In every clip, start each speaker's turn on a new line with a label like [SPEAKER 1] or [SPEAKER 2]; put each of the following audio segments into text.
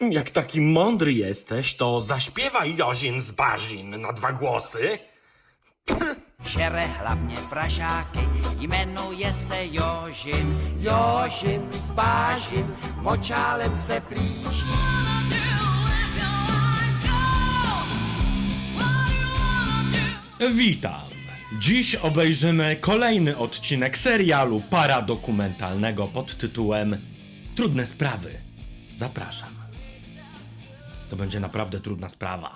[SPEAKER 1] Jak taki mądry jesteś, to zaśpiewaj Jozin z Barzin na 2 głosy.
[SPEAKER 2] Žere hlavně pražáky, jmenuje se Jožin. Jožin s Bážin, močálem se plíží.
[SPEAKER 1] Witam. Dziś obejrzymy kolejny odcinek serialu paradokumentalnego pod tytułem Trudne sprawy. Zapraszam. To będzie naprawdę trudna sprawa.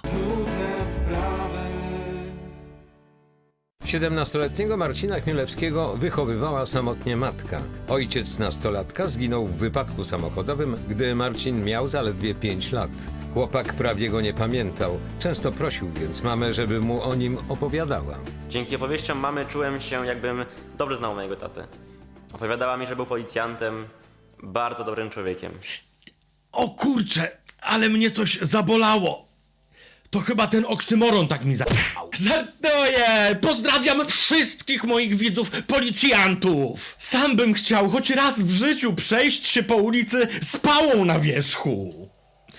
[SPEAKER 3] 17-letniego Marcina Chmielewskiego wychowywała samotnie matka. Ojciec nastolatka zginął w wypadku samochodowym, gdy Marcin miał zaledwie 5 lat. Chłopak prawie go nie pamiętał. Często prosił więc mamę, żeby mu o nim opowiadała.
[SPEAKER 4] Dzięki opowieściom mamy czułem się, jakbym dobrze znał mojego tatę. Opowiadała mi, że był policjantem, bardzo dobrym człowiekiem.
[SPEAKER 1] O kurczę, ale mnie coś zabolało. To chyba ten oksymoron tak mi za***ał. Żartuję! Pozdrawiam wszystkich moich widzów policjantów! Sam bym chciał choć raz w życiu przejść się po ulicy z pałą na wierzchu.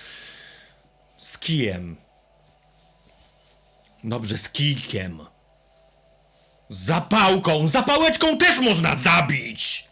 [SPEAKER 1] Z kijem. Dobrze, z kijkiem. Z zapałką! Zapałeczką też można zabić!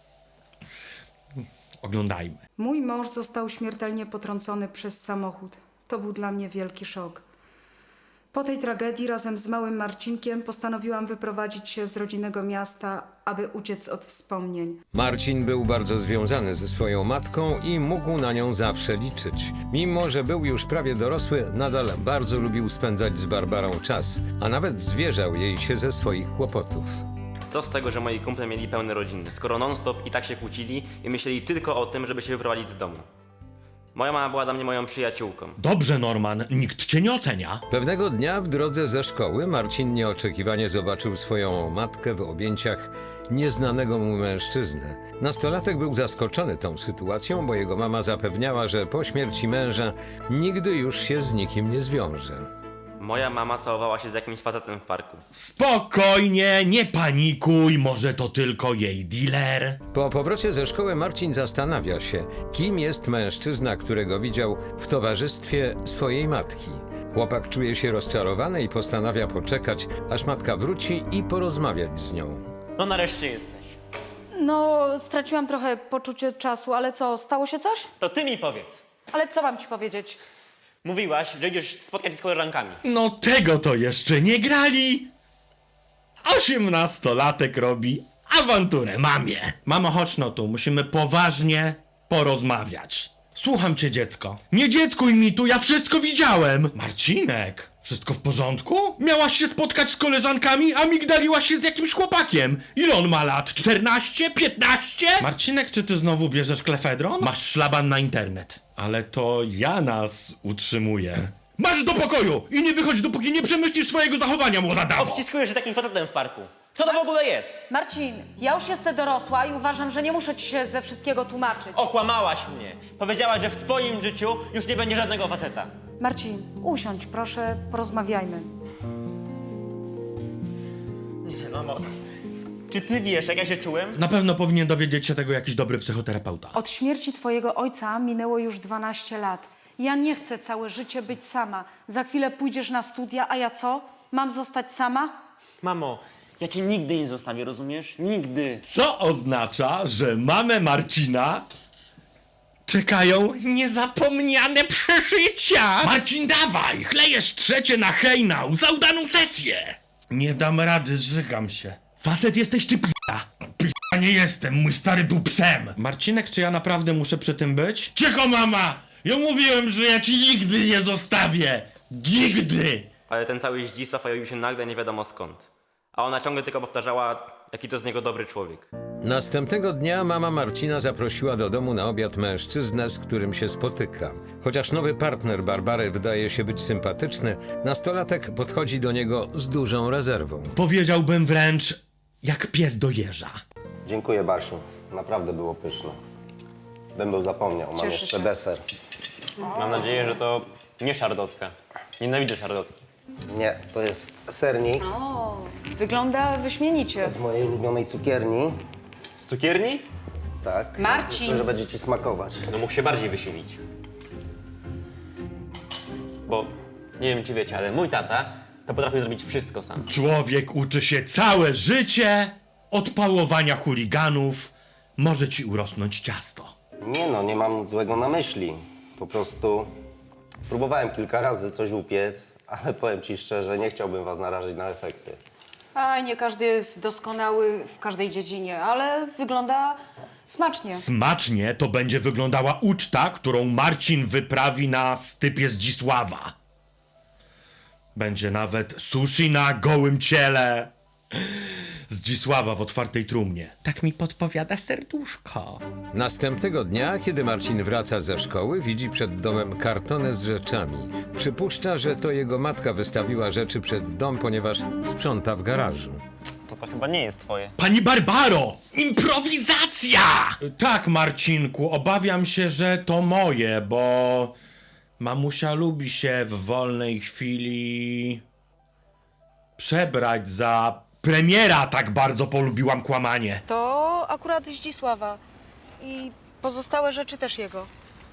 [SPEAKER 1] Oglądajmy.
[SPEAKER 5] Mój mąż został śmiertelnie potrącony przez samochód. To był dla mnie wielki szok. Po tej tragedii razem z małym Marcinkiem postanowiłam wyprowadzić się z rodzinnego miasta, aby uciec od wspomnień.
[SPEAKER 3] Marcin był bardzo związany ze swoją matką i mógł na nią zawsze liczyć. Mimo że był już prawie dorosły, nadal bardzo lubił spędzać z Barbarą czas, a nawet zwierzał jej się ze swoich kłopotów.
[SPEAKER 4] Co z tego, że moi kumple mieli pełne rodziny, skoro non-stop i tak się kłócili i myśleli tylko o tym, żeby się wyprowadzić z domu. Moja mama była dla mnie moją przyjaciółką.
[SPEAKER 1] Dobrze, Norman, nikt cię nie ocenia.
[SPEAKER 3] Pewnego dnia w drodze ze szkoły Marcin nieoczekiwanie zobaczył swoją matkę w objęciach nieznanego mu mężczyzny. Nastolatek był zaskoczony tą sytuacją, bo jego mama zapewniała, że po śmierci męża nigdy już się z nikim nie zwiąże.
[SPEAKER 4] Moja mama całowała się z jakimś facetem w parku.
[SPEAKER 1] Spokojnie, nie panikuj, może to tylko jej dealer.
[SPEAKER 3] Po powrocie ze szkoły Marcin zastanawia się, kim jest mężczyzna, którego widział w towarzystwie swojej matki. Chłopak czuje się rozczarowany i postanawia poczekać, aż matka wróci i porozmawiać z nią.
[SPEAKER 4] No nareszcie jesteś.
[SPEAKER 5] No, straciłam trochę poczucie czasu, ale co, stało się coś?
[SPEAKER 4] To ty mi powiedz.
[SPEAKER 5] Ale co mam ci powiedzieć?
[SPEAKER 4] Mówiłaś, że idziesz spotkać się z koleżankami.
[SPEAKER 1] No tego to jeszcze nie grali. 18-latek robi awanturę mamie. Mamo, chodź no tu, musimy poważnie porozmawiać. Słucham cię, dziecko. Nie dzieckuj mi tu, ja wszystko widziałem. Marcinek, wszystko w porządku? Miałaś się spotkać z koleżankami, a migdaliłaś się z jakimś chłopakiem. Ile on ma lat? 14? 15? Marcinek, czy ty znowu bierzesz klefedron? Masz szlaban na internet. Ale to ja nas utrzymuję. Marsz do pokoju i nie wychodź, dopóki nie przemyślisz swojego zachowania, młoda damo.
[SPEAKER 4] Obciskujesz się takim facetem w parku. Co to w ogóle jest?
[SPEAKER 5] Marcin, ja już jestem dorosła i uważam, że nie muszę ci się ze wszystkiego tłumaczyć.
[SPEAKER 4] Okłamałaś mnie. Powiedziałaś, że w twoim życiu już nie będzie żadnego faceta.
[SPEAKER 5] Marcin, usiądź, proszę, porozmawiajmy.
[SPEAKER 4] Nie, mamo. Czy ty wiesz, jak ja się czułem?
[SPEAKER 1] Na pewno powinien dowiedzieć się tego jakiś dobry psychoterapeuta.
[SPEAKER 5] Od śmierci twojego ojca minęło już 12 lat. Ja nie chcę całe życie być sama. Za chwilę pójdziesz na studia, a ja co? Mam zostać sama?
[SPEAKER 4] Mamo, ja cię nigdy nie zostawię, rozumiesz? Nigdy.
[SPEAKER 1] Co oznacza, że mamę Marcina czekają niezapomniane przeżycia. Marcin, dawaj, chlejesz trzecie na hejnał za udaną sesję. Nie dam rady, zżygam się. Facet jesteś ty p***a. P***a nie jestem, mój stary był psem. Marcinek, czy ja naprawdę muszę przy tym być? Cicho, mama! Ja mówiłem, że ja ci nigdy nie zostawię. Nigdy!
[SPEAKER 4] Ale ten cały Zdzisław pojawił się nagle nie wiadomo skąd. A ona ciągle tylko powtarzała, jaki to z niego dobry człowiek.
[SPEAKER 3] Następnego dnia mama Marcina zaprosiła do domu na obiad mężczyznę, z którym się spotyka. Chociaż nowy partner Barbary wydaje się być sympatyczny, nastolatek podchodzi do niego z dużą rezerwą.
[SPEAKER 1] Powiedziałbym wręcz jak pies do jeża.
[SPEAKER 6] Dziękuję, Basiu. Naprawdę było pyszne. Bym był zapomniał, mam
[SPEAKER 5] Cieszę
[SPEAKER 6] jeszcze
[SPEAKER 5] się.
[SPEAKER 6] deser.
[SPEAKER 4] Mam nadzieję, że to nie szarlotka. Nienawidzę szarlotki.
[SPEAKER 6] Nie, to jest sernik
[SPEAKER 5] O, wygląda wyśmienicie.
[SPEAKER 6] z mojej ulubionej cukierni.
[SPEAKER 4] Z cukierni?
[SPEAKER 6] Tak.
[SPEAKER 5] Marcin!
[SPEAKER 6] Myślę, że będzie ci smakować.
[SPEAKER 4] No mógł się bardziej wysilić. Bo nie wiem, czy wiecie, ale mój tata to potrafił zrobić wszystko sam.
[SPEAKER 1] Człowiek uczy się całe życie od pałowania chuliganów. Może ci urosnąć ciasto.
[SPEAKER 6] Nie no, nie mam nic złego na myśli. Po prostu próbowałem kilka razy coś upiec, ale powiem ci szczerze, nie chciałbym was narazić na efekty.
[SPEAKER 5] A nie każdy jest doskonały w każdej dziedzinie, ale wygląda smacznie.
[SPEAKER 1] Smacznie to będzie wyglądała uczta, którą Marcin wyprawi na stypie Zdzisława. Będzie nawet sushi na gołym ciele Zdzisława w otwartej trumnie. Tak mi podpowiada serduszko.
[SPEAKER 3] Następnego dnia, kiedy Marcin wraca ze szkoły, widzi przed domem kartonę z rzeczami. Przypuszcza, że to jego matka wystawiła rzeczy przed dom, ponieważ sprząta w garażu.
[SPEAKER 4] To chyba nie jest twoje.
[SPEAKER 1] Pani Barbaro! Improwizacja! Tak, Marcinku, obawiam się, że to moje, bo mamusia lubi się w wolnej chwili przebrać za premiera. Tak bardzo polubiłam kłamanie.
[SPEAKER 5] To akurat Zdzisława. I pozostałe rzeczy też jego.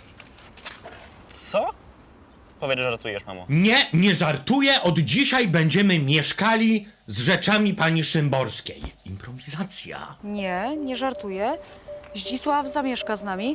[SPEAKER 4] Co? Powiedz, że żartujesz, mamo.
[SPEAKER 1] Nie żartuję, od dzisiaj będziemy mieszkali z rzeczami pani Szymborskiej. Improwizacja.
[SPEAKER 5] Nie żartuję. Zdzisław zamieszka z nami.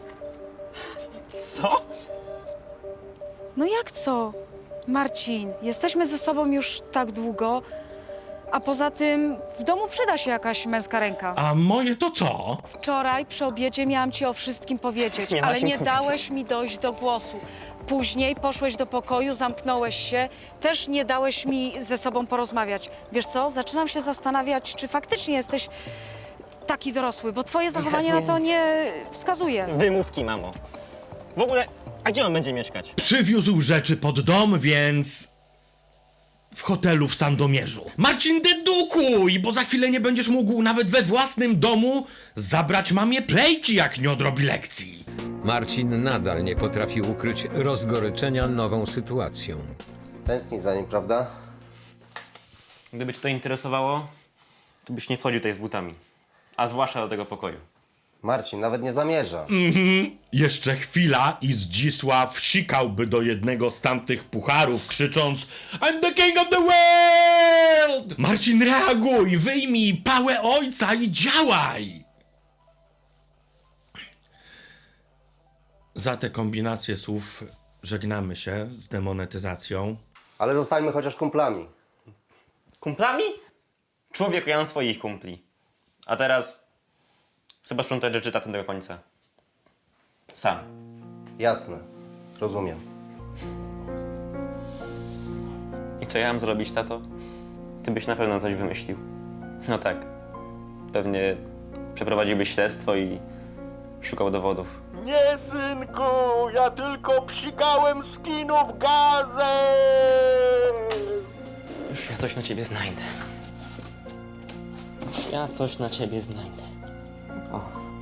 [SPEAKER 4] Co?
[SPEAKER 5] No jak co? Marcin, jesteśmy ze sobą już tak długo, a poza tym w domu przyda się jakaś męska ręka.
[SPEAKER 1] A moje to co?
[SPEAKER 5] Wczoraj przy obiedzie miałam ci o wszystkim powiedzieć,
[SPEAKER 4] Nie ma
[SPEAKER 5] ale
[SPEAKER 4] się
[SPEAKER 5] nie
[SPEAKER 4] powiedzieć.
[SPEAKER 5] dałeś mi dojść do głosu. Później poszłeś do pokoju, zamknąłeś się, też nie dałeś mi ze sobą porozmawiać. Wiesz co, zaczynam się zastanawiać, czy faktycznie jesteś taki dorosły, bo twoje zachowanie na to nie wskazuje.
[SPEAKER 7] Wymówki, mamo. W ogóle, a gdzie on będzie mieszkać?
[SPEAKER 1] Przywiózł rzeczy pod dom, więc w hotelu w Sandomierzu. Marcin, dedukuj, bo za chwilę nie będziesz mógł nawet we własnym domu zabrać mamie plejki, jak nie odrobi lekcji.
[SPEAKER 3] Marcin nadal nie potrafi ukryć rozgoryczenia nową sytuacją.
[SPEAKER 6] Tęsknić za nim, prawda?
[SPEAKER 4] Gdyby cię to interesowało, to byś nie wchodził tutaj z butami. A zwłaszcza do tego pokoju.
[SPEAKER 6] Marcin nawet nie zamierza.
[SPEAKER 1] Jeszcze chwila i Zdzisław sikałby do jednego z tamtych pucharów, krzycząc I'm the king of the world! Marcin, reaguj, wyjmij pałę ojca i działaj! Za te kombinacje słów żegnamy się z demonetyzacją.
[SPEAKER 6] Ale zostańmy chociaż kumplami.
[SPEAKER 4] Kumplami? Człowieku, ja mam swoich kumpli. A teraz trzeba sprzątać rzeczy taty do końca. Sam.
[SPEAKER 6] Jasne. Rozumiem.
[SPEAKER 4] I co ja mam zrobić, tato? Ty byś na pewno coś wymyślił. No tak. Pewnie przeprowadziłbyś śledztwo i szukał dowodów.
[SPEAKER 8] Nie, synku, ja tylko psikałem z kinów gazę!
[SPEAKER 4] Już ja coś na ciebie znajdę. Ja coś na ciebie znajdę. O.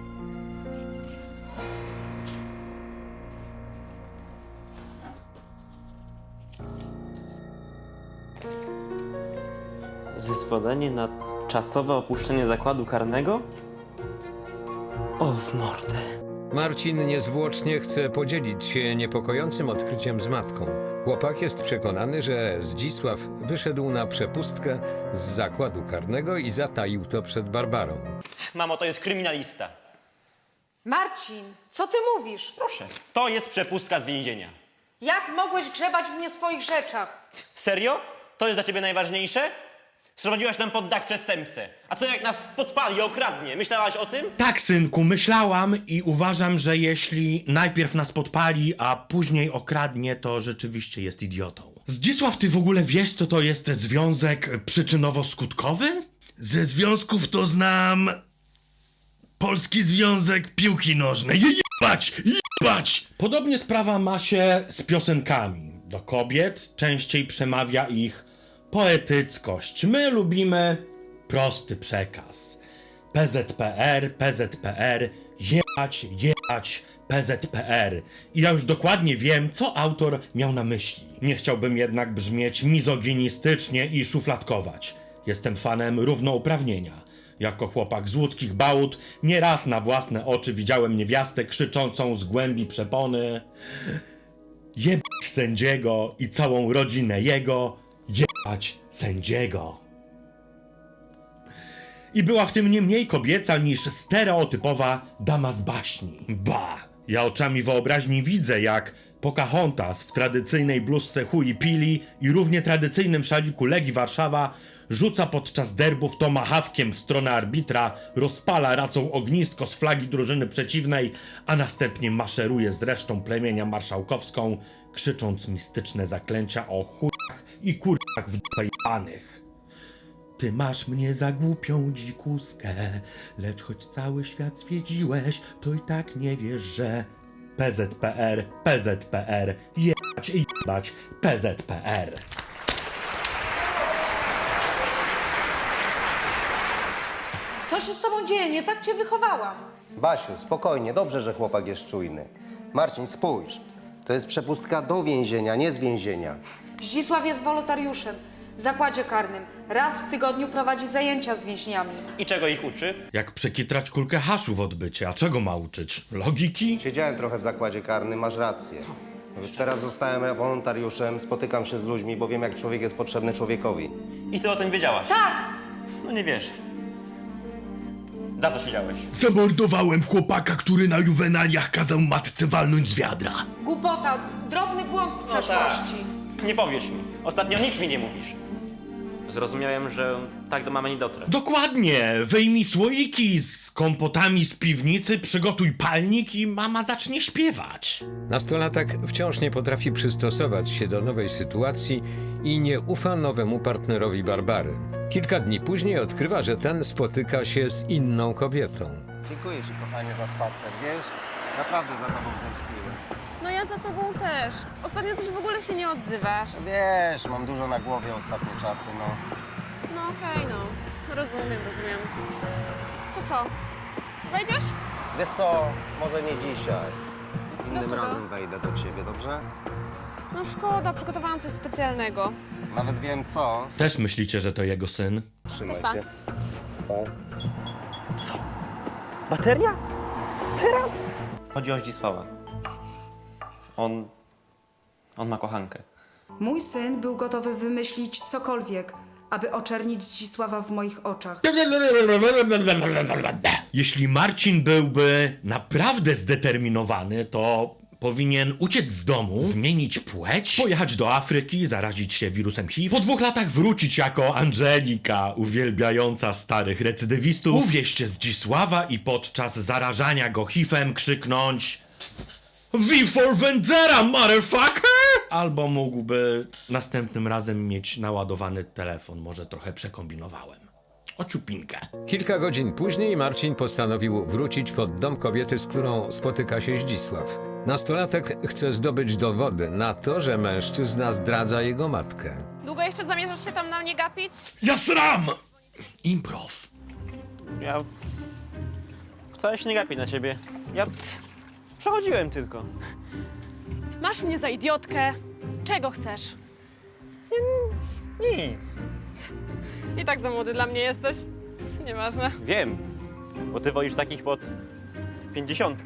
[SPEAKER 4] Zezwolenie na czasowe opuszczenie zakładu karnego? O, w mordę.
[SPEAKER 3] Marcin niezwłocznie chce podzielić się niepokojącym odkryciem z matką. Chłopak jest przekonany, że Zdzisław wyszedł na przepustkę z zakładu karnego i zataił to przed Barbarą.
[SPEAKER 7] Mamo, to jest kryminalista.
[SPEAKER 5] Marcin, co ty mówisz?
[SPEAKER 7] Proszę. To jest przepustka z więzienia.
[SPEAKER 5] Jak mogłeś grzebać w nie swoich rzeczach?
[SPEAKER 7] Serio? To jest dla ciebie najważniejsze? Sprowadziłaś nam pod dach przestępcę. A co jak nas podpali, okradnie? Myślałaś o tym?
[SPEAKER 1] Tak, synku, myślałam i uważam, że jeśli najpierw nas podpali, a później okradnie, to rzeczywiście jest idiotą. Zdzisław, ty w ogóle wiesz, co to jest związek przyczynowo-skutkowy? Ze związków to znam Polski Związek Piłki Nożnej. Jebać! Podobnie sprawa ma się z piosenkami. Do kobiet częściej przemawia ich poetyckość. My lubimy prosty przekaz. PZPR, jebać, PZPR. I ja już dokładnie wiem, co autor miał na myśli. Nie chciałbym jednak brzmieć mizoginistycznie i szufladkować. Jestem fanem równouprawnienia. Jako chłopak z łódzkich bałut nieraz na własne oczy widziałem niewiastę krzyczącą z głębi przepony: jebać sędziego i całą rodzinę jego, jebać sędziego. I była w tym nie mniej kobieca niż stereotypowa dama z baśni. Ba! Ja oczami wyobraźni widzę, jak Pocahontas w tradycyjnej bluzce Hui Pili i równie tradycyjnym szaliku Legii Warszawa rzuca podczas derbów tomahawkiem w stronę arbitra, rozpala racą ognisko z flagi drużyny przeciwnej, a następnie maszeruje z resztą plemienia marszałkowską, krzycząc mistyczne zaklęcia o chujach i kurwach w dupę jebanych. Ty masz mnie za głupią dzikuskę, lecz choć cały świat zwiedziłeś, to i tak nie wiesz, że PZPR, PZPR, jebać i jebać PZPR.
[SPEAKER 9] Co się z tobą dzieje? Nie tak cię wychowałam.
[SPEAKER 6] Basiu, spokojnie, dobrze, że chłopak jest czujny. Marcin, spójrz. To jest przepustka do więzienia, nie z więzienia.
[SPEAKER 5] Zdzisław jest wolontariuszem w zakładzie karnym. Raz w tygodniu prowadzi zajęcia z więźniami.
[SPEAKER 7] I czego ich uczy?
[SPEAKER 1] Jak przekitrać kulkę haszu w odbycie, a czego ma uczyć? Logiki?
[SPEAKER 6] Siedziałem trochę w zakładzie karnym, masz rację. Już teraz zostałem wolontariuszem, spotykam się z ludźmi, bo wiem, jak człowiek jest potrzebny człowiekowi.
[SPEAKER 7] I ty o tym wiedziałaś?
[SPEAKER 5] Tak!
[SPEAKER 7] No nie wiesz. Za co siedziałeś?
[SPEAKER 1] Zamordowałem chłopaka, który na juwenaliach kazał matce walnąć z wiadra.
[SPEAKER 5] Głupota, drobny błąd z przeszłości.
[SPEAKER 7] Nie powiesz mi. Ostatnio nic mi nie mówisz.
[SPEAKER 4] Zrozumiałem, że tak do mamy nie dotrę.
[SPEAKER 1] Dokładnie! Wyjmij słoiki z kompotami z piwnicy, przygotuj palnik i mama zacznie śpiewać.
[SPEAKER 3] Nastolatek wciąż nie potrafi przystosować się do nowej sytuacji i nie ufa nowemu partnerowi Barbary. Kilka dni później odkrywa, że ten spotyka się z inną kobietą.
[SPEAKER 6] Dziękuję ci, kochanie, za spacer, wiesz? Naprawdę za tobą tęskniłem.
[SPEAKER 10] No ja za tobą też. Ostatnio coś w ogóle się nie odzywasz.
[SPEAKER 6] Wiesz, mam dużo na głowie ostatnie czasy, no.
[SPEAKER 10] No okej, no. Rozumiem. To co? Wejdziesz?
[SPEAKER 6] Wiesz co, może nie dzisiaj. Innym
[SPEAKER 10] Dlaczego?
[SPEAKER 6] razem wejdę do ciebie, dobrze?
[SPEAKER 10] No szkoda, przygotowałam coś specjalnego.
[SPEAKER 6] Nawet wiem co.
[SPEAKER 1] Też myślicie, że to jego syn?
[SPEAKER 6] Trzymaj
[SPEAKER 10] Pa.
[SPEAKER 6] się.
[SPEAKER 7] Co? Bateria? Teraz? Chodzi o Zdzisława. On ma kochankę.
[SPEAKER 5] Mój syn był gotowy wymyślić cokolwiek, aby oczernić Zdzisława w moich oczach.
[SPEAKER 1] Jeśli Marcin byłby naprawdę zdeterminowany, to powinien uciec z domu, zmienić płeć, pojechać do Afryki, zarazić się wirusem HIV, po 2 latach wrócić jako Angelika, uwielbiająca starych recydywistów, uwieść Zdzisława i podczas zarażania go HIV-em krzyknąć V for Vendetta, motherfucker! Albo mógłby następnym razem mieć naładowany telefon, może trochę przekombinowałem. O ciupinkę.
[SPEAKER 3] Kilka godzin później Marcin postanowił wrócić pod dom kobiety, z którą spotyka się Zdzisław. Nastolatek chce zdobyć dowody na to, że mężczyzna zdradza jego matkę.
[SPEAKER 10] Długo jeszcze zamierzasz się tam na mnie gapić?
[SPEAKER 1] Ja sram! Improv.
[SPEAKER 7] Ja wcale się nie gapię na ciebie. Ja przechodziłem tylko.
[SPEAKER 10] Masz mnie za idiotkę. Czego chcesz?
[SPEAKER 7] Nic.
[SPEAKER 10] I tak za młody dla mnie jesteś. Nieważne.
[SPEAKER 7] Wiem, bo ty wolisz takich pod 50.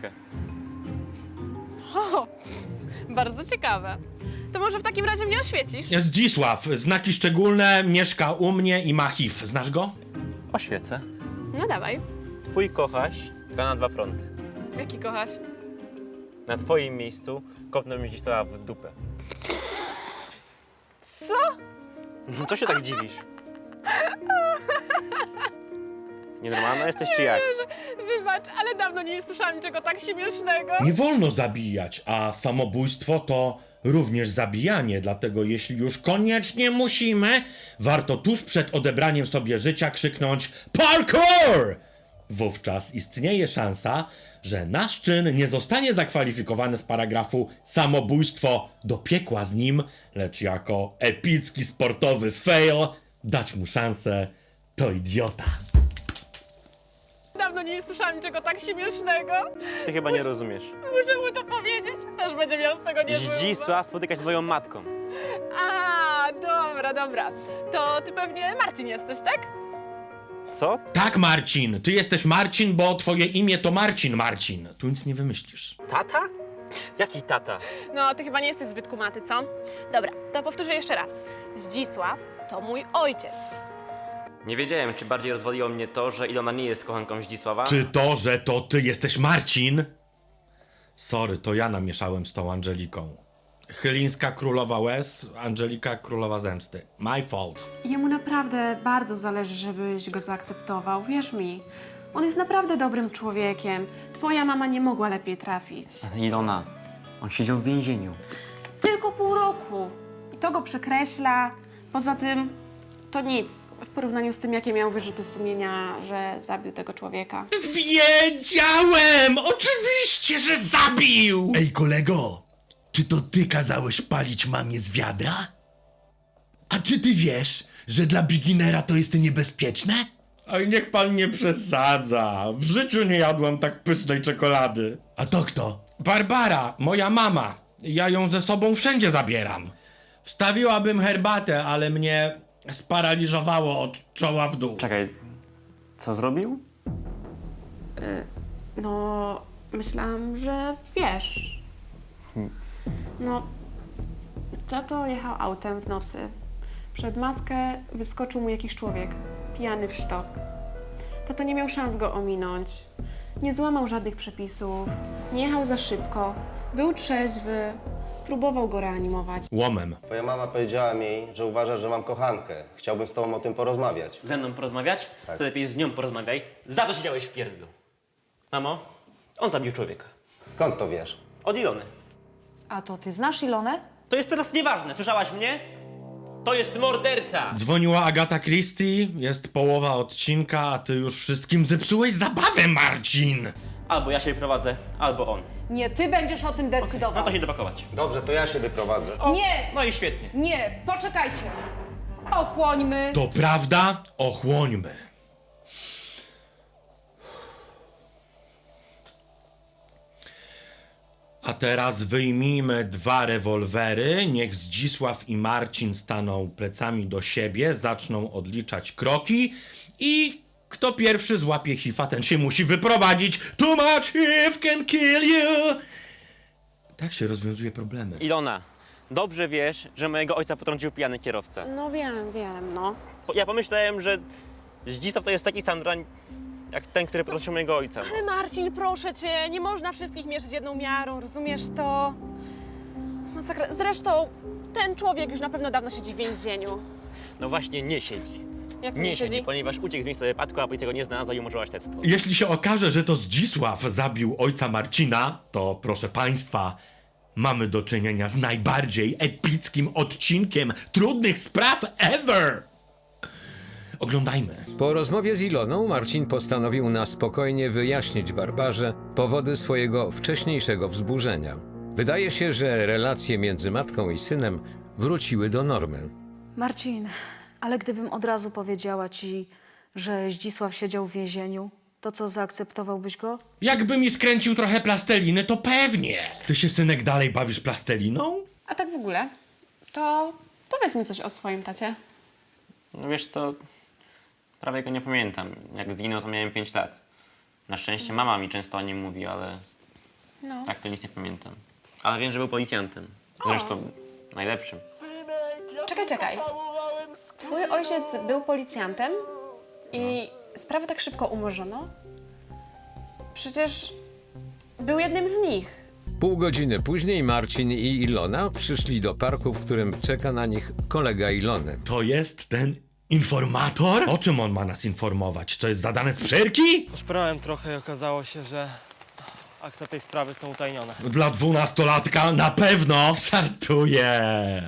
[SPEAKER 10] O, bardzo ciekawe. To może w takim razie mnie oświecisz?
[SPEAKER 1] Zdzisław, znaki szczególne, mieszka u mnie i ma HIV. Znasz go?
[SPEAKER 7] Oświecę.
[SPEAKER 10] No dawaj.
[SPEAKER 7] Twój kochaś gra na 2 fronty.
[SPEAKER 10] Jaki kochasz?
[SPEAKER 7] Na twoim miejscu kopnąłbym Zdzisława w dupę.
[SPEAKER 10] Co?
[SPEAKER 7] No co się tak dziwisz? Nienormalna jesteś czy jak?
[SPEAKER 10] Wybacz, ale dawno nie słyszałam niczego tak śmiesznego.
[SPEAKER 1] Nie wolno zabijać, a samobójstwo to również zabijanie, dlatego jeśli już koniecznie musimy, warto tuż przed odebraniem sobie życia krzyknąć parkour! Wówczas istnieje szansa, że nasz czyn nie zostanie zakwalifikowany z paragrafu samobójstwo do piekła z nim, lecz jako epicki sportowy fail dać mu szansę, to idiota.
[SPEAKER 10] Dawno nie słyszałam niczego tak śmiesznego.
[SPEAKER 7] Ty chyba nie rozumiesz.
[SPEAKER 10] Muszę mu to powiedzieć. Też będzie miał z tego niezły humor.
[SPEAKER 7] Zdzisław spotyka się z moją matką.
[SPEAKER 10] A, dobra. To ty pewnie Marcin jesteś, tak?
[SPEAKER 7] Co?
[SPEAKER 1] Tak, Marcin, ty jesteś Marcin, bo twoje imię to Marcin. Tu nic nie wymyślisz.
[SPEAKER 7] Tata? Jaki tata?
[SPEAKER 10] No, ty chyba nie jesteś zbyt kumaty, co? Dobra, to powtórzę jeszcze raz. Zdzisław to mój ojciec.
[SPEAKER 4] Nie wiedziałem, czy bardziej rozwaliło mnie to, że Ilona nie jest kochanką Zdzisława.
[SPEAKER 1] Czy to, że to ty jesteś Marcin? Sorry, to ja namieszałem z tą Angeliką. Chylińska królowa łez, Angelika królowa zemsty. My fault.
[SPEAKER 11] Jemu naprawdę bardzo zależy, żebyś go zaakceptował, wierz mi. On jest naprawdę dobrym człowiekiem. Twoja mama nie mogła lepiej trafić.
[SPEAKER 4] Ilona, on siedział w więzieniu.
[SPEAKER 11] Tylko pół roku. I to go przekreśla. Poza tym to nic w porównaniu z tym, jakie miał wyrzuty sumienia, że zabił tego człowieka.
[SPEAKER 1] Wiedziałem! Oczywiście, że zabił!
[SPEAKER 12] Ej, kolego, czy to ty kazałeś palić mamie z wiadra? A czy ty wiesz, że dla beginnera to jest niebezpieczne?
[SPEAKER 1] Oj, niech pan nie przesadza. W życiu nie jadłam tak pysznej czekolady.
[SPEAKER 12] A to kto?
[SPEAKER 1] Barbara, moja mama. Ja ją ze sobą wszędzie zabieram. Wstawiłabym herbatę, ale mnie sparaliżowało od czoła w dół.
[SPEAKER 4] Czekaj, co zrobił?
[SPEAKER 11] No, myślałam, że wiesz. No, tato jechał autem w nocy. Przed maskę wyskoczył mu jakiś człowiek, pijany w sztok. Tato nie miał szans go ominąć. Nie złamał żadnych przepisów, nie jechał za szybko, był trzeźwy, próbował go reanimować.
[SPEAKER 1] Łomem.
[SPEAKER 6] Twoja mama powiedziała mi, że uważa, że mam kochankę. Chciałbym z tobą o tym porozmawiać.
[SPEAKER 7] Ze mną porozmawiać?
[SPEAKER 6] Tak.
[SPEAKER 7] To lepiej z nią porozmawiaj. Za to siedziałeś w pierdlu. Mamo, on zabił człowieka.
[SPEAKER 6] Skąd to wiesz?
[SPEAKER 7] Od Ilony.
[SPEAKER 9] A to ty znasz Ilonę?
[SPEAKER 7] To jest teraz nieważne, słyszałaś mnie? To jest morderca!
[SPEAKER 1] Dzwoniła Agata Christie, jest połowa odcinka, a ty już wszystkim zepsułeś zabawę, Marcin!
[SPEAKER 7] Albo ja się wyprowadzę, albo on.
[SPEAKER 9] Nie, ty będziesz o tym
[SPEAKER 7] No
[SPEAKER 9] decydował.
[SPEAKER 7] to się dopakować.
[SPEAKER 6] Dobrze, to ja się wyprowadzę.
[SPEAKER 7] O,
[SPEAKER 9] Nie!
[SPEAKER 7] No i świetnie.
[SPEAKER 9] Nie, poczekajcie. Ochłońmy.
[SPEAKER 1] To prawda? Ochłońmy. A teraz wyjmijmy 2 rewolwery, niech Zdzisław i Marcin staną plecami do siebie, zaczną odliczać kroki i kto pierwszy złapie hifa, ten się musi wyprowadzić. Too much hif can kill you. Tak się rozwiązuje problemy.
[SPEAKER 7] Ilona, dobrze wiesz, że mojego ojca potrącił pijany kierowca.
[SPEAKER 11] No wiem, no.
[SPEAKER 7] Ja pomyślałem, że Zdzisław to jest taki sandrań, jak ten, który potrącił mojego ojca.
[SPEAKER 10] Ale Marcin, proszę cię, nie można wszystkich mierzyć jedną miarą, rozumiesz to? Masakra. Zresztą ten człowiek już na pewno dawno siedzi w więzieniu.
[SPEAKER 7] No właśnie nie siedzi.
[SPEAKER 10] Jak to
[SPEAKER 7] Nie siedzi, ponieważ uciekł z miejsca wypadku, a policja go nie znalazła i umorzyła śledztwo.
[SPEAKER 1] Jeśli się okaże, że to Zdzisław zabił ojca Marcina, to proszę państwa, mamy do czynienia z najbardziej epickim odcinkiem trudnych spraw ever! Oglądajmy.
[SPEAKER 3] Po rozmowie z Iloną Marcin postanowił na spokojnie wyjaśnić Barbarze powody swojego wcześniejszego wzburzenia. Wydaje się, że relacje między matką i synem wróciły do normy.
[SPEAKER 5] Marcin, ale gdybym od razu powiedziała ci, że Zdzisław siedział w więzieniu, to co, zaakceptowałbyś go?
[SPEAKER 1] Jakby mi skręcił trochę plasteliny, to pewnie. Ty się, synek, dalej bawisz plasteliną?
[SPEAKER 11] A tak w ogóle, to powiedz mi coś o swoim tacie.
[SPEAKER 4] No wiesz co, prawie go nie pamiętam. Jak zginął, to miałem 5 lat. Na szczęście mama mi często o nim mówi, ale
[SPEAKER 11] No.
[SPEAKER 4] tak to nic nie pamiętam. Ale wiem, że był policjantem. Zresztą najlepszym.
[SPEAKER 11] Czekaj. Twój ojciec był policjantem i sprawę tak szybko umorzono? Przecież był jednym z nich.
[SPEAKER 3] Pół godziny później Marcin i Ilona przyszli do parku, w którym czeka na nich kolega Ilony.
[SPEAKER 1] To jest ten informator? O czym on ma nas informować? To jest zadane z przerki?
[SPEAKER 13] Poszperałem trochę i okazało się, że akta tej sprawy są utajnione.
[SPEAKER 1] Dla 12-latka na pewno. Żartuję.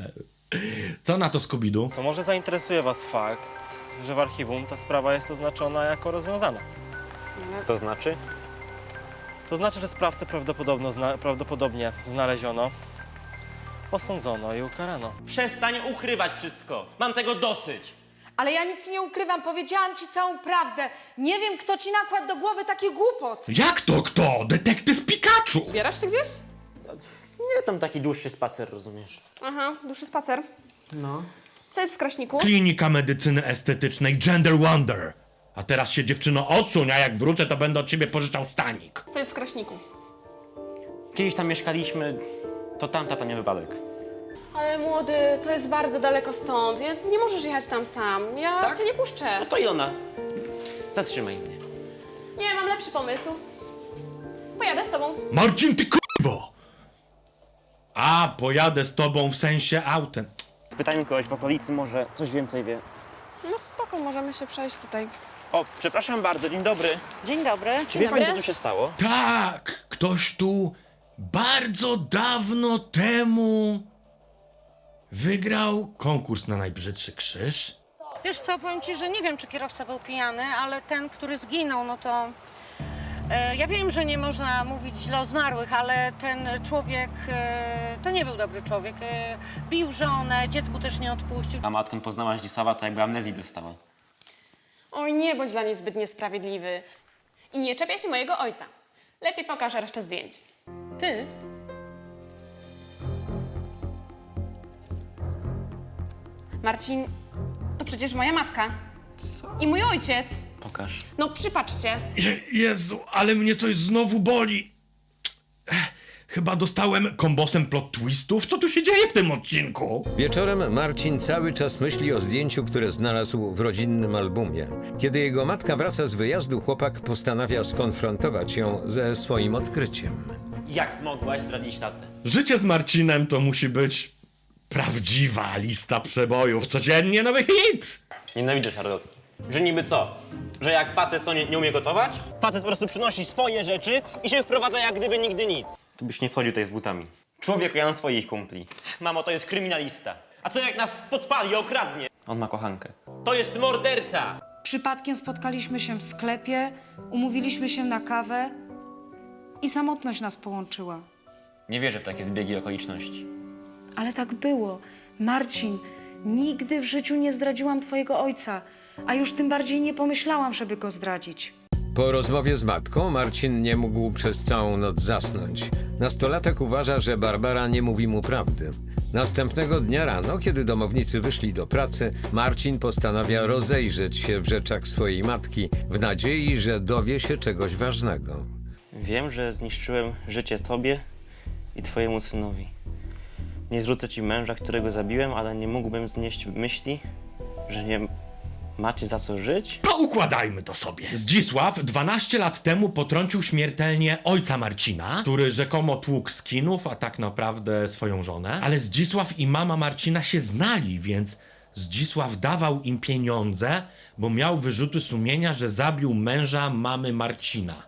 [SPEAKER 1] Co na to, Scooby-Doo?
[SPEAKER 13] To może zainteresuje was fakt, że w archiwum ta sprawa jest oznaczona jako rozwiązana.
[SPEAKER 4] To znaczy?
[SPEAKER 13] To znaczy, że sprawcę prawdopodobnie znaleziono, osądzono i ukarano.
[SPEAKER 7] Przestań ukrywać wszystko. Mam tego dosyć.
[SPEAKER 9] Ale ja nic nie ukrywam, powiedziałam ci całą prawdę. Nie wiem, kto ci nakładł do głowy taki głupot.
[SPEAKER 1] Jak to kto? Detektyw Pikachu!
[SPEAKER 10] Ubierasz się gdzieś?
[SPEAKER 7] Nie, tam taki dłuższy spacer, rozumiesz?
[SPEAKER 10] Aha, dłuższy spacer.
[SPEAKER 7] No.
[SPEAKER 10] Co jest w Kraśniku?
[SPEAKER 1] Klinika Medycyny Estetycznej Gender Wonder. A teraz się dziewczyno odsuń, a jak wrócę, to będę od ciebie pożyczał stanik.
[SPEAKER 10] Co jest w Kraśniku?
[SPEAKER 7] Kiedyś tam mieszkaliśmy, to tam tata miał wypadek.
[SPEAKER 10] Ale młody, to jest bardzo daleko stąd. Nie możesz jechać tam sam. Ja
[SPEAKER 7] Tak?
[SPEAKER 10] cię nie puszczę.
[SPEAKER 7] No to Ilona, zatrzymaj mnie.
[SPEAKER 10] Nie, mam lepszy pomysł. Pojadę z tobą.
[SPEAKER 1] Marcin, ty kurwo! A, pojadę z tobą w sensie autem.
[SPEAKER 7] Spytajmy kogoś w okolicy, może coś więcej wie.
[SPEAKER 10] No spoko, możemy się przejść tutaj.
[SPEAKER 7] O, przepraszam bardzo, dzień dobry.
[SPEAKER 9] Dzień dobry.
[SPEAKER 7] Czy wie pani, co
[SPEAKER 10] dobry.
[SPEAKER 7] tu się stało?
[SPEAKER 1] Tak, ktoś tu bardzo dawno temu wygrał konkurs na najbrzydszy krzyż.
[SPEAKER 9] Wiesz co, powiem ci, że nie wiem, czy kierowca był pijany, ale ten, który zginął, no to... ja wiem, że nie można mówić źle o zmarłych, ale ten człowiek to nie był dobry człowiek. Bił żonę, dziecku też nie odpuścił.
[SPEAKER 7] A matką poznała Zdzisława, to jakby amnezji dostała.
[SPEAKER 10] Oj, nie bądź dla niej zbyt niesprawiedliwy. I nie czepiaj się mojego ojca. Lepiej pokaż resztę zdjęć. Ty? Marcin, to przecież moja matka.
[SPEAKER 7] Co?
[SPEAKER 10] I mój ojciec.
[SPEAKER 7] Pokaż.
[SPEAKER 10] No przypatrzcie.
[SPEAKER 1] Jezu, ale mnie coś znowu boli. Chyba dostałem kombosem plot twistów. Co tu się dzieje w tym odcinku?
[SPEAKER 3] Wieczorem Marcin cały czas myśli o zdjęciu, które znalazł w rodzinnym albumie. Kiedy jego matka wraca z wyjazdu, chłopak postanawia skonfrontować ją ze swoim odkryciem.
[SPEAKER 7] Jak mogłaś zdradzić tatę?
[SPEAKER 1] Życie z Marcinem to musi być prawdziwa lista przebojów. Codziennie nowy hit!
[SPEAKER 7] Nienawidzę szarlotki. Że niby co? Że jak facet to nie umie gotować? Facet po prostu przynosi swoje rzeczy i się wprowadza jak gdyby nigdy nic. Tu byś nie wchodził tutaj z butami. Człowiek, ja mam swoich kumpli. Mamo, to jest kryminalista. A co jak nas podpali, okradnie? On ma kochankę. To jest morderca!
[SPEAKER 5] Przypadkiem spotkaliśmy się w sklepie, umówiliśmy się na kawę i samotność nas połączyła.
[SPEAKER 7] Nie wierzę w takie zbiegi okoliczności.
[SPEAKER 5] Ale tak było. Marcin, nigdy w życiu nie zdradziłam twojego ojca, a już tym bardziej nie pomyślałam, żeby go zdradzić.
[SPEAKER 3] Po rozmowie z matką Marcin nie mógł przez całą noc zasnąć. Nastolatek uważa, że Barbara nie mówi mu prawdy. Następnego dnia rano, kiedy domownicy wyszli do pracy, Marcin postanawia rozejrzeć się w rzeczach swojej matki w nadziei, że dowie się czegoś ważnego.
[SPEAKER 7] Wiem, że zniszczyłem życie tobie i twojemu synowi. Nie zwrócę ci męża, którego zabiłem, ale nie mógłbym znieść myśli, że nie macie za co żyć.
[SPEAKER 1] Poukładajmy to sobie. Zdzisław 12 lat temu potrącił śmiertelnie ojca Marcina, który rzekomo tłukł skinów, a tak naprawdę swoją żonę. Ale Zdzisław i mama Marcina się znali, więc Zdzisław dawał im pieniądze, bo miał wyrzuty sumienia, że zabił męża mamy Marcina.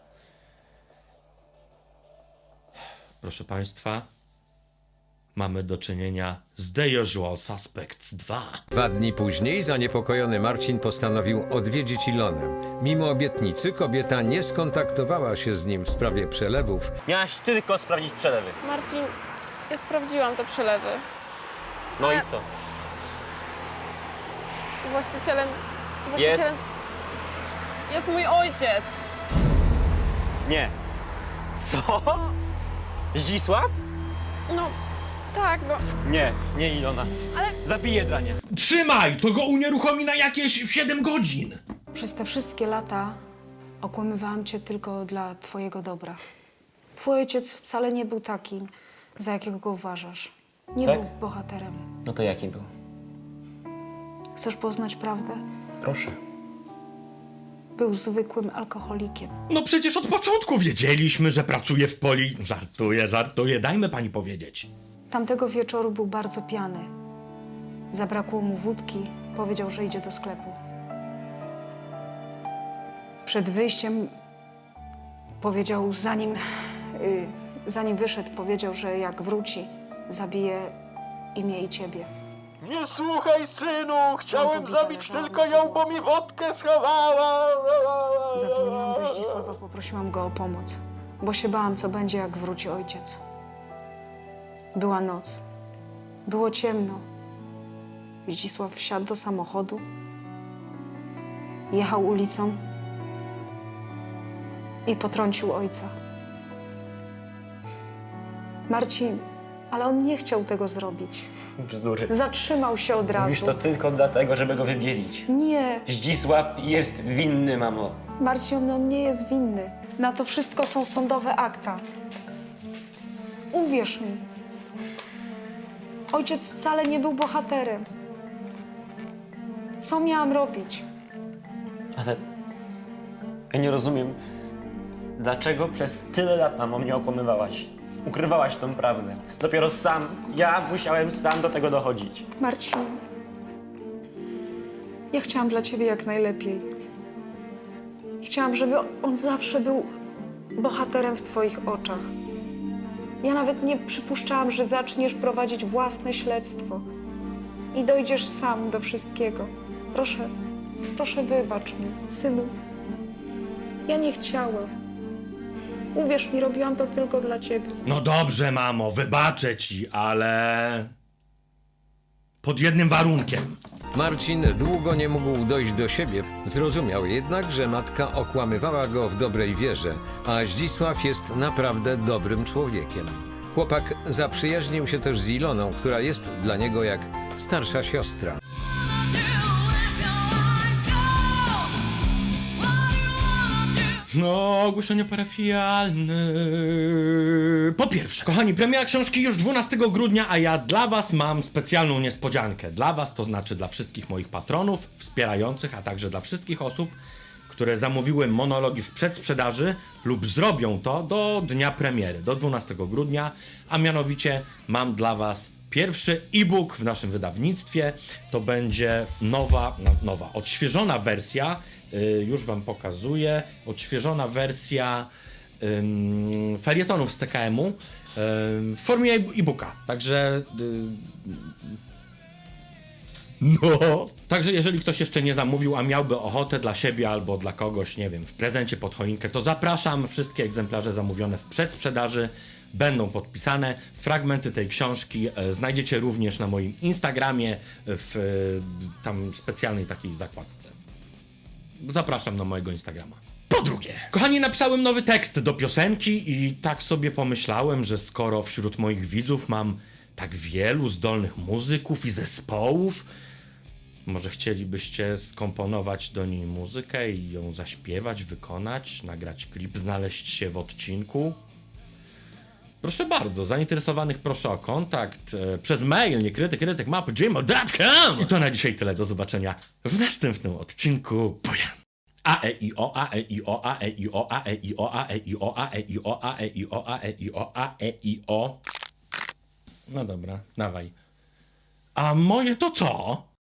[SPEAKER 1] Proszę państwa, mamy do czynienia z The Usual Suspects 2.
[SPEAKER 3] 2 dni później zaniepokojony Marcin postanowił odwiedzić Ilonę. Mimo obietnicy kobieta nie skontaktowała się z nim w sprawie przelewów.
[SPEAKER 7] Miałaś tylko sprawdzić przelewy.
[SPEAKER 10] Marcin, ja sprawdziłam te przelewy.
[SPEAKER 7] No i co?
[SPEAKER 10] Właścicielem
[SPEAKER 7] Jest?
[SPEAKER 10] jest mój ojciec.
[SPEAKER 7] Nie. Co? Zdzisław?
[SPEAKER 10] No, tak, no,
[SPEAKER 7] Nie Ilona.
[SPEAKER 10] ale
[SPEAKER 7] Zabiję drania.
[SPEAKER 1] Trzymaj! To go unieruchomi na jakieś 7 godzin!
[SPEAKER 5] Przez te wszystkie lata okłamywałam cię tylko dla twojego dobra. Twój ojciec wcale nie był takim, za jakiego go uważasz. Nie
[SPEAKER 7] Tak?
[SPEAKER 5] był bohaterem.
[SPEAKER 7] No to jaki był?
[SPEAKER 5] Chcesz poznać prawdę?
[SPEAKER 7] Proszę.
[SPEAKER 5] Był zwykłym alkoholikiem.
[SPEAKER 1] No przecież od początku wiedzieliśmy, że pracuje w poli... Żartuję, dajmy pani powiedzieć.
[SPEAKER 5] Tamtego wieczoru był bardzo pijany. Zabrakło mu wódki, powiedział, że idzie do sklepu. Przed wyjściem powiedział, zanim wyszedł, powiedział, że jak wróci, zabije i mnie i ciebie.
[SPEAKER 8] Nie słuchaj, synu, chciałem zabić tylko ją, bo mi wodkę schowała.
[SPEAKER 5] Zadzwoniłam do Zdzisława, poprosiłam go o pomoc, bo się bałam, co będzie, jak wróci ojciec. Była noc. Było ciemno. Zdzisław wsiadł do samochodu, jechał ulicą i potrącił ojca. Marcin Ale on nie chciał tego zrobić.
[SPEAKER 7] Bzdury.
[SPEAKER 5] Zatrzymał się od razu.
[SPEAKER 7] Mówisz to tylko dlatego, żeby go wybielić.
[SPEAKER 5] Nie,
[SPEAKER 7] Zdzisław jest winny, mamo.
[SPEAKER 5] Marcin, on nie jest winny. Na to wszystko są sądowe akta. Uwierz mi. Ojciec wcale nie był bohaterem. Co miałam robić?
[SPEAKER 7] Ale ja nie rozumiem, dlaczego przez tyle lat, mamo, mnie okłamywałaś. Ukrywałaś tą prawdę. Dopiero ja musiałem sam do tego dochodzić.
[SPEAKER 5] Marcin, ja chciałam dla ciebie jak najlepiej. Chciałam, żeby on zawsze był bohaterem w twoich oczach. Ja nawet nie przypuszczałam, że zaczniesz prowadzić własne śledztwo i dojdziesz sam do wszystkiego. Proszę wybacz mi, synu. Ja nie chciałam. Uwierz mi, robiłam to tylko dla ciebie.
[SPEAKER 1] No dobrze, mamo, wybaczę ci, ale... pod jednym warunkiem.
[SPEAKER 3] Marcin długo nie mógł dojść do siebie. Zrozumiał jednak, że matka okłamywała go w dobrej wierze, a Zdzisław jest naprawdę dobrym człowiekiem. Chłopak zaprzyjaźnił się też z Iloną, która jest dla niego jak starsza siostra.
[SPEAKER 1] No, ogłoszenie parafialne. Po pierwsze, kochani, premiera książki już 12 grudnia, a ja dla was mam specjalną niespodziankę. Dla was, to znaczy dla wszystkich moich patronów, wspierających, a także dla wszystkich osób, które zamówiły monologi w przedsprzedaży lub zrobią to do dnia premiery, do 12 grudnia, a mianowicie mam dla was pierwszy e-book w naszym wydawnictwie. To będzie nowa, odświeżona wersja, już wam pokazuję, odświeżona wersja felietonów z TKM-u w formie e-booka. Także Także jeżeli ktoś jeszcze nie zamówił, a miałby ochotę dla siebie albo dla kogoś, nie wiem, w prezencie pod choinkę, to zapraszam. Wszystkie egzemplarze zamówione w przedsprzedaży będą podpisane. Fragmenty tej książki znajdziecie również na moim Instagramie w tam specjalnej takiej zakładce. Zapraszam na mojego Instagrama. Po drugie, kochani, napisałem nowy tekst do piosenki i tak sobie pomyślałem, że skoro wśród moich widzów mam tak wielu zdolnych muzyków i zespołów, może chcielibyście skomponować do niej muzykę i ją zaśpiewać, wykonać, nagrać klip, znaleźć się w odcinku? Proszę bardzo, zainteresowanych proszę o kontakt przez mail niekrytykrytykmapy@gmail.com. I to na dzisiaj tyle, do zobaczenia w następnym odcinku. Buja! A e i o, a e i o, a e i o, a e i o, a e i o, a e i o, a e i o, a e i o, a e i o. No dobra, dawaj. A moje to co?